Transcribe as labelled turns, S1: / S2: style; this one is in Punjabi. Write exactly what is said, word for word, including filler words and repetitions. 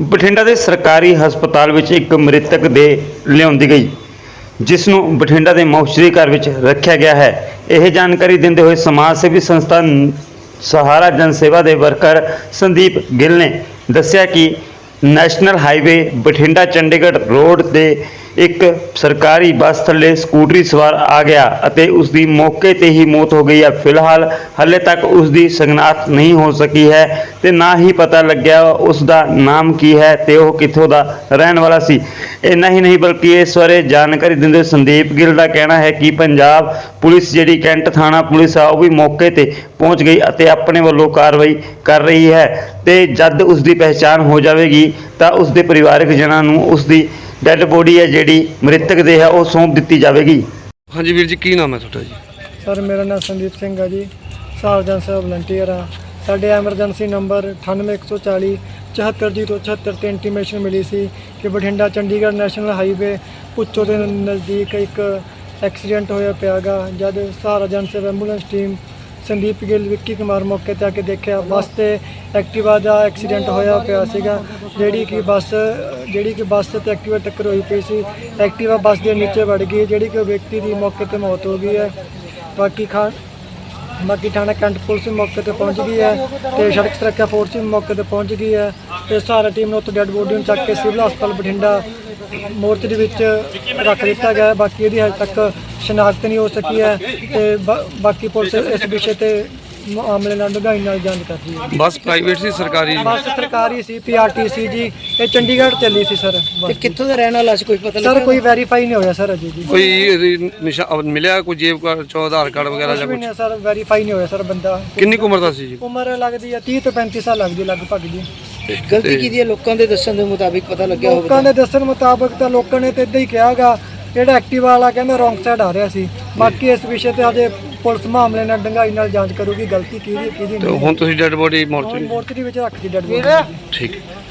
S1: ਬਠਿੰਡਾ ਦੇ ਸਰਕਾਰੀ ਹਸਪਤਾਲ ਵਿੱਚ ਇੱਕ ਮ੍ਰਿਤਕ ਦੇ ਲਿਆਂਦੀ ਗਈ, ਜਿਸ ਨੂੰ ਬਠਿੰਡਾ ਦੇ ਮੌਚਰੀ ਘਰ ਵਿੱਚ ਰੱਖਿਆ ਗਿਆ ਹੈ। ਇਹ ਜਾਣਕਾਰੀ ਦਿੰਦੇ ਹੋਏ ਸਮਾਜ ਸੇਵੀ ਸੰਸਥਾ ਸਹਾਰਾ ਜਨ ਸੇਵਾ ਦੇ ਵਰਕਰ ਸੰਦੀਪ ਗਿੱਲ ਨੇ ਦੱਸਿਆ ਕਿ national highway Bathinda Chandigarh road ਤੇ ਇੱਕ ਸਰਕਾਰੀ ਬੱਸ ਥੱਲੇ ਸਕੂਟਰੀ ਸਵਾਰ ਆ ਗਿਆ ਅਤੇ ਉਸ ਦੀ ਮੌਕੇ ਤੇ ਹੀ ਮੌਤ ਹੋ ਗਈ ਹੈ। ਫਿਲਹਾਲ ਹਾਲੇ ਤੱਕ ਉਸ ਦੀ ਸ਼ਨਾਖਤ ਨਹੀਂ ਹੋ ਸਕੀ ਹੈ ਤੇ ਨਾ ਹੀ ਪਤਾ ਲੱਗਿਆ ਉਸ ਦਾ ਨਾਮ ਕੀ ਹੈ ਤੇ ਉਹ ਕਿੱਥੋਂ ਦਾ ਰਹਿਣ ਵਾਲਾ ਸੀ। ਇੰਨਾ ਹੀ ਨਹੀਂ ਬਲਕਿ ਇਸ ਬਾਰੇ ਜਾਣਕਾਰੀ ਦਿੰਦੇ ਸੰਦੀਪ ਗਿੱਲ ਦਾ ਕਹਿਣਾ ਹੈ ਕਿ ਪੰਜਾਬ ਪੁਲਿਸ ਜਿਹੜੀ ਕੈਂਟ ਥਾਣਾ ਪੁਲਿਸ ਆ ਉਹ ਵੀ ਮੌਕੇ ਤੇ ਪਹੁੰਚ ਗਈ ਅਤੇ ਆਪਣੇ ਵੱਲੋਂ ਕਾਰਵਾਈ ਕਰ ਰਹੀ ਹੈ ਤੇ ਜਦ ਉਸ ਦੀ ਪਹਿਚਾਣ ਹੋ ਜਾਵੇਗੀ ਤਾਂ ਉਸ ਦੇ ਪਰਿਵਾਰਕ ਜਨਾਂ ਨੂੰ ਉਸ ਦੀ ਡੈਡ ਬੋਡੀ ਹੈ ਜਿਹੜੀ ਮ੍ਰਿਤਕ ਦੇ ਹੈ ਉਹ ਸੌਂਪ ਦਿੱਤੀ ਜਾਵੇਗੀ।
S2: ਹਾਂਜੀ ਵੀਰ ਜੀ, ਕੀ ਨਾਮ ਹੈ ਤੁਹਾਡਾ ਜੀ?
S3: ਸਰ ਮੇਰਾ ਨਾਮ ਸੰਦੀਪ ਸਿੰਘ ਹੈ ਜੀ, ਸਹਾਰਾ ਜਨ ਸੇਵਾ ਵਲੰਟੀਅਰ ਆ। ਸਾਡੇ ਐਮਰਜੈਂਸੀ ਨੰਬਰ ਅਠਾਨਵੇਂ ਇੱਕ ਸੌ ਚਾਲੀ ਚੁਹੱਤਰ ਜੀਰੋ ਛਿਹੱਤਰ 'ਤੇ ਇੰਟੀਮੇਸ਼ਨ ਮਿਲੀ ਸੀ ਕਿ ਬਠਿੰਡਾ ਚੰਡੀਗੜ੍ਹ ਨੈਸ਼ਨਲ ਹਾਈਵੇ ਪੁੱਚੋ ਦੇ ਨਜ਼ਦੀਕ ਇੱਕ ਐਕਸੀਡੈਂਟ ਹੋਇਆ ਪਿਆ ਗਾ। ਜਦ ਸਹਾਰਾ ਜਨ ਸੇਵਾ ਐਂਬੂਲੈਂਸ ਟੀਮ ਸੰਦੀਪ ਗਿੱਲ ਵਿੱਕੀ ਕੁਮਾਰ ਮੌਕੇ 'ਤੇ ਆ ਕੇ ਦੇਖਿਆ, ਬੱਸ ਤੇ ਐਕਟਿਵਾ ਦਾ ਐਕਸੀਡੈਂਟ ਹੋਇਆ ਪਿਆ ਸੀਗਾ। ਜਿਹੜੀ ਕਿ ਬੱਸ ਜਿਹੜੀ ਕਿ ਬੱਸ ਤੇ ਐਕਟਿਵਾ ਟੱਕਰ ਹੋਈ ਪਈ ਸੀ। ਐਕਟਿਵਾ ਬੱਸ ਦੇ ਨੀਚੇ ਵੜ ਗਈ, ਜਿਹੜੀ ਕਿ ਵਿਅਕਤੀ ਦੀ ਮੌਕੇ 'ਤੇ ਮੌਤ ਹੋ ਗਈ ਹੈ। ਬਾਕੀ ਖਾਨ ਬਾਕੀ ਥਾਣਾ ਕੈਂਟ ਪੁਲਿਸ ਵੀ ਮੌਕੇ 'ਤੇ ਪਹੁੰਚ ਗਈ ਹੈ ਤੇ ਸੜਕ ਸੁਰੱਖਿਆ ਫੋਰਸ ਵੀ ਮੌਕੇ 'ਤੇ ਪਹੁੰਚ ਗਈ ਹੈ ਤੇ ਸਹਾਰਾ ਟੀਮ ਨੇ ਉੱਥੇ ਡੈਡ ਬੋਡੀ ਨੂੰ ਚੱਕ ਕੇ ਸਿਵਲ ਹਸਪਤਾਲ ਬਠਿੰਡਾ ਮੋਰਚੇ ਵਿੱਚ ਰੱਖ ਦਿੱਤਾ ਗਿਆ ਹੈ। ਬਾਕੀ ਇਹਦੀ ਹਜੇ ਤੱਕ ਸ਼ਨਾਖਤ ਨਹੀਂ ਹੋ ਸਕੀ ਹੈ ਤੇ ਬਾਕੀ ਪੁਲਿਸ ਇਸ ਵਿਸ਼ੇ ਤੇ ਮਾਮਲੇ ਨਾਲ ਡੂੰਘਾਈ ਨਾਲ ਜਾਂਚ ਕਰ ਰਹੀ ਹੈ।
S2: ਬੱਸ ਪ੍ਰਾਈਵੇਟ ਸੀ ਸਰਕਾਰੀ?
S3: ਬੱਸ ਸਰਕਾਰੀ ਸੀ, ਪੀਆਰਟੀਸੀ ਜੀ। ਇਹ ਚੰਡੀਗੜ੍ਹ ਚੱਲੀ ਸੀ ਸਰ।
S4: ਤੇ ਕਿੱਥੋਂ ਦਾ ਰਹਿਣ ਵਾਲਾ ਸੀ, ਕੋਈ ਪਤਾ
S3: ਸਰ ਕੋਈ ਵੈਰੀਫਾਈ ਨਹੀਂ ਹੋਇਆ ਸਰ ਅਜੇ ਜੀ।
S2: ਕੋਈ ਇਹਦੀ ਨਿਸ਼ਾਨ ਮਿਲਿਆ, ਕੋਈ ਜੇਬ ਕਾਰਡ ਚੋਂ ਆਧਾਰ ਕਾਰਡ ਵਗੈਰਾ ਜਾਂ
S3: ਕੁਝ ਵੀ
S2: ਕੁਝ?
S3: ਨਹੀਂ ਸਰ, ਵੈਰੀਫਾਈ ਨਹੀਂ ਹੋਇਆ ਸਰ ਬੰਦਾ।
S2: ਕਿੰਨੀ ਕੁ ਉਮਰ ਦਾ ਸੀ ਜੀ?
S3: ਉਮਰ ਲੱਗਦੀ ਹੈ ਤੀਹ ਤੋਂ ਪੈਂਤੀ ਸਾਲ ਲੱਗਦੀ ਲਗਭਗ ਜੀ।
S4: ਗਲਤੀ ਕੀਤੀ ਹੈ ਲੋਕਾਂ ਦੇ ਦੱਸਣ ਦੇ ਮੁਤਾਬਿਕ ਪਤਾ ਲੱਗਿਆ ਹੋਵੇ?
S3: ਲੋਕਾਂ ਦੇ ਦੱਸਣ ਮੁਤਾਬਕ ਤਾਂ ਲੋਕਾਂ ਨੇ ਤਾਂ ਇਦਾਂ ਹੀ ਕਿਹਾਗਾ, ਜਿਹੜਾ ਐਕਟਿਵਾ ਵਾਲਾ ਕਹਿੰਦਾ ਰੌਂਗ ਸਾਈਡ ਆ ਰਿਹਾ ਸੀ। ਬਾਕੀ ਇਸ ਵਿਸ਼ੇ ਤੇ ਅਜੇ ਪੁਲਿਸ ਮਾਮਲੇ ਨਾਲ ਡੂੰਘਾਈ ਨਾਲ ਜਾਂਚ ਕਰੂਗੀ, ਗਲਤੀ ਕਿਹਦੀ ਕਿਹਦੀ
S2: ਤੇ
S3: ਨਹੀਂ।
S2: ਹੁਣ ਤੁਸੀਂ ਡੈਡ ਬੋਡੀ ਮੋਰਚਰੀ
S3: ਮੋਰਚਰੀ ਵਿੱਚ ਰੱਖਦੀ ਡੈਡ ਬੋਡੀ।
S2: ਠੀਕ ਹੈ।